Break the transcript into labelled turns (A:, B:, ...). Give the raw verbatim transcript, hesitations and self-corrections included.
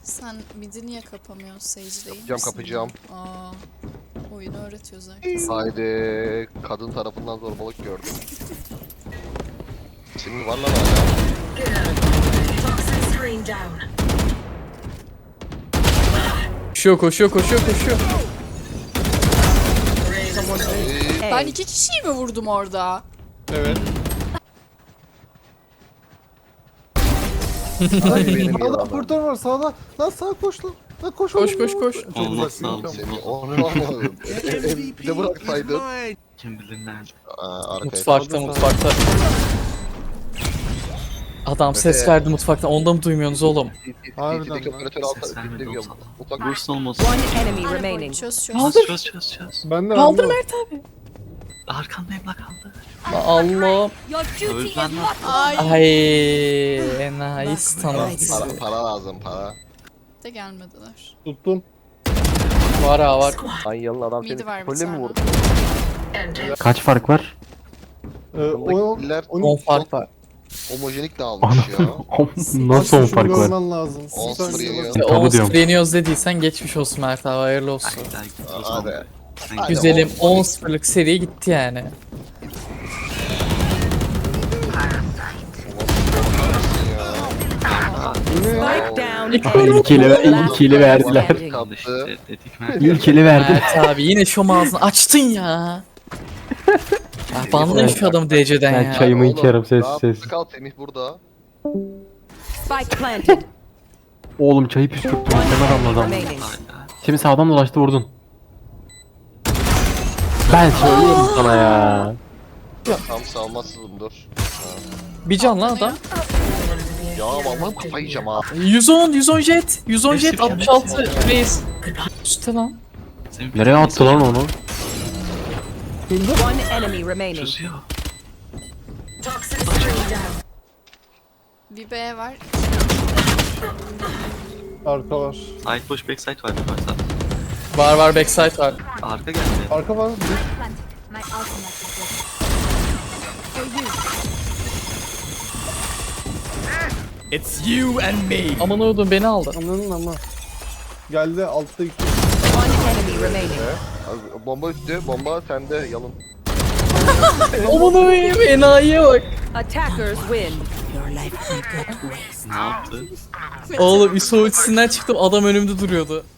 A: Sen midi niye kapamıyorsun Sage değil
B: Kapacağım,
A: misin?
B: kapacağım.
A: Aa, oyunu öğretiyor zaten.
B: Haydi kadın tarafından zorbalık gördüm. Senin var lan hala.
C: Koşuyor koşuyor koşuyor koşuyor.
B: Ee,
A: Ben iki kişiyi mi vurdum orada?
C: Evet.
B: Ay benim
D: Sağda
B: yalanım.
D: operatör var sağda. Lan sağa koş lan. Lan koş
C: Koş
D: oğlum.
C: koş koş.
D: Çok
E: Olmaz,
D: uzak
E: sağ ol.
B: Seni onu almadım. Bir de bıraksaydın.
E: Kim bilir nerede?
B: Aa, arkaya
C: Mutfakta mutfakta. Adam ses
B: Evet.
C: verdi mutfaktan. Onda mı duymuyorsunuz oğlum?
D: Harbiden
B: T T'deki
D: lan.
B: operatör alta
E: Ses vermedi
B: dinlemiyor.
E: olsa da.
B: Mutfak
E: Burst olmasın.
F: One enemy
A: Remaining.
F: remaining.
A: Çöz çöz.
C: Kaldır.
E: Çöz çöz çöz.
D: Ben de
C: Kaldır
D: ben de.
C: Mert abi.
E: Arkandayım la kaldı.
C: Allah.
E: Öl lan.
A: Ay
C: Ay enayi stanı.
B: para, para lazım para.
A: de gelmediler.
D: Tuttum.
C: Var ha var.
B: Ay yalın adam
A: Midi
B: seni
A: var bir
B: kolle mi
A: tane.
B: vurdu?
G: Kaç fark var?
D: Ee, o,
B: Killer
C: on fark var.
B: homojenik dağılmış ya.
G: Nasıl on fark var?
D: Görmen lazım.
B: On
D: Süper
B: sıfır
D: bir
B: yeniyor.
D: bak.
C: İşte
G: Tabu
C: on
G: diyorum.
C: sıfır yeniyoruz dediysen geçmiş olsun Mert abi, hayırlı olsun.
E: Ay daha git o
B: Hadi.
E: zaman. Sen
B: Hadi.
E: git.
C: Güzelim on sıfırlık seri gitti yani.
F: Spike down.
C: İlk
F: A.
G: İlk eli, ilk eli verdiler.
E: Al işte dedik mi?
G: İlk eli verdiler.
C: Mert abi yine şom ağzını açtın ya. Ya banlayın şu adamı D C'den
G: Ben
C: ya.
G: çayımı
B: Oğlum,
G: içerim ses
B: rahat
G: ses.
B: Kal Semih burada.
F: Spike planted.
G: Oğlum çayı püskürttüm.
F: One
G: Hemen
F: enemy
G: anladım.
F: remaining.
E: Hala.
G: Şimdi sağdan dolaştı vurdun. Ben söylüyorum sana ya.
B: Tam savunmasızım dur.
C: Bir can lan adam.
B: Ya vallahi kafayı yiyeceğim ha.
C: yüz on yüz on jet. yüz on jet
E: Hepsi
C: altmış altı reis. Üstte lan.
E: Senin
G: Nereye attı lan onu?
F: One enemy remaining.
E: Çözüyor.
A: Bir B var.
D: Arka var.
E: Side boş backside var bir varsa.
C: Var var backside var.
E: Arka geldi.
D: Arka var. Bir.
C: Aman oğlum beni aldı.
D: Anladın ama. Geldi altta iki.
F: One enemy remaining.
B: Abi, bomba üstü, bomba sende yalın.
C: Aman oğlum enayiye bak.
F: Attackers win.
E: Ne yaptı?
C: Oğlum I S O ultisinden çıktım, adam önümde duruyordu.